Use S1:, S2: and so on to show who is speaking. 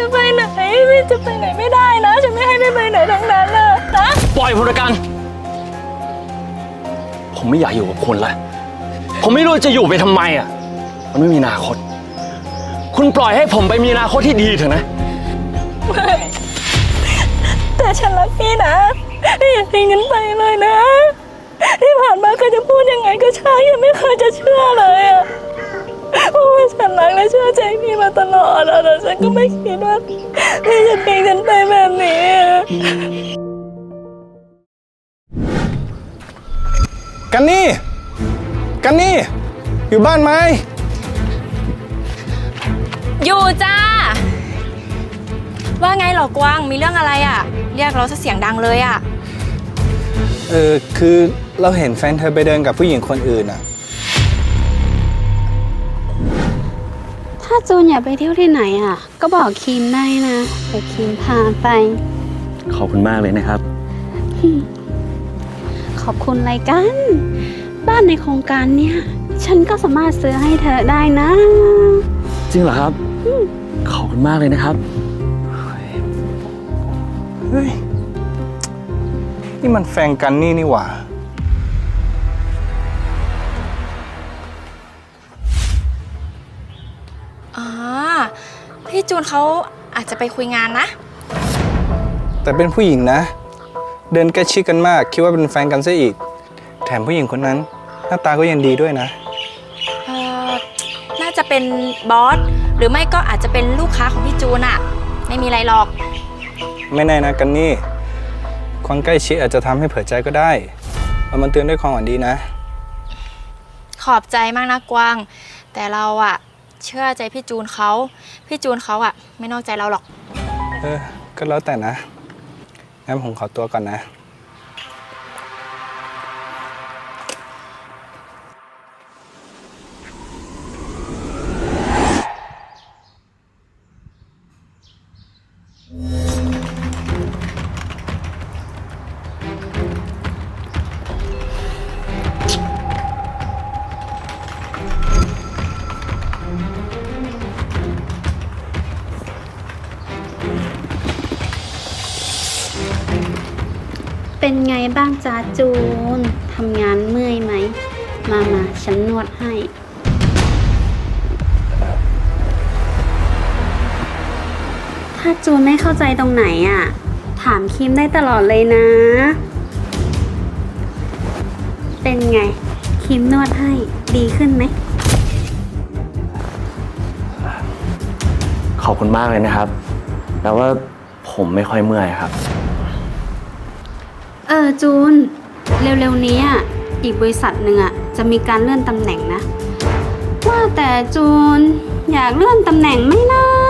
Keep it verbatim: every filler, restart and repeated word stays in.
S1: จะไปไหนพี่จะไปไหนไม่ได้นะฉันไม่ให้พี่ไปไหนทั้งนั้นเลยนะ
S2: ปล่อยผมละกันผมไม่อยากอยู่กับคุณละผมไม่รู้จะอยู่ไปทำไมอ่ะมันไม่มีอนาคตคุณปล่อยให้ผมไปมีอนาคตที่ดีเถอะนะ
S1: ไม่แต่ฉันรักพี่นะพี่อย่าทิ้งฉันไปเลยนะที่ผ่านมาเคยจะพูดยังไงก็ช่างยังไม่เคยจะเชื่อเลยอ่ะเพราะว่าฉันรักและเชื่อใจพี่มาตลอดแต่ฉันก็ไม่คิดว่าพี่จะทิ้งฉันไปแบบนี้
S3: กันนี่กันนี่อยู่บ้านไหม
S1: อยู่จ้าว่าไงหรอกวางมีเรื่องอะไรอ่ะเรียกเราซะเสียงดังเลยอ่ะ
S3: เออคือเราเห็นแฟนเธอไปเดินกับผู้หญิงคนอื่นอ่ะ
S4: ถ้าจูนอยากไปเที่ยวที่ไหนอ่ะก็บอกคิมได้นะเดี๋ยวคิมพาไป
S2: ขอบคุณมากเลยนะครับ
S4: ขอบคุณอะไรกันบ้านในโครงการเนี้ยฉันก็สามารถซื้อให้เธอได้นะ
S2: จริงเหรอครับขอบคุณมากเลยนะครับ
S3: เฮ้ยนี่มันแฟนกันนี่นี่หว่า
S1: อ๋อพี่จูนเขาอาจจะไปคุยงานนะ
S3: แต่เป็นผู้หญิงนะเดินใกล้ชิดกันมากคิดว่าเป็นแฟนกันซะอีกแถมผู้หญิงคนนั้นหน้าตาก็ยังดีด้วยนะ
S1: เออน่าจะเป็นบอสหรือไม่ก็อาจจะเป็นลูกค้าของพี่จูนอะไม่มีอะไรหรอก
S3: ไม่แน่นะกันนี่ความใกล้ชิดอาจจะทำให้เผลอใจก็ได้เอามันเตือนด้วยความหวังดีนะ
S1: ขอบใจมากนะกวางแต่เราอะเชื่อใจพี่จูนเขาพี่จูนเขาอะไม่นอกใจเราหรอก
S3: เออก็แล้วแต่นะงั้นผมขอตัวก่อนนะ
S4: เป็นไงบ้างจ้าจูนทำงานเมื่อยไหมมามาฉันนวดให้ถ้าจูนไม่เข้าใจตรงไหนอ่ะถามคิมได้ตลอดเลยนะเป็นไงคิมนวดให้ดีขึ้นไหม
S2: ขอบคุณมากเลยนะครับแต่ว่าผมไม่ค่อยเมื่อยครับ
S4: เออจูนเร็วๆนี้อ่ะอีกบริษัทหนึ่งอ่ะจะมีการเลื่อนตำแหน่งนะว่าแต่จูนอยากเลื่อนตำแหน่งไหมนะ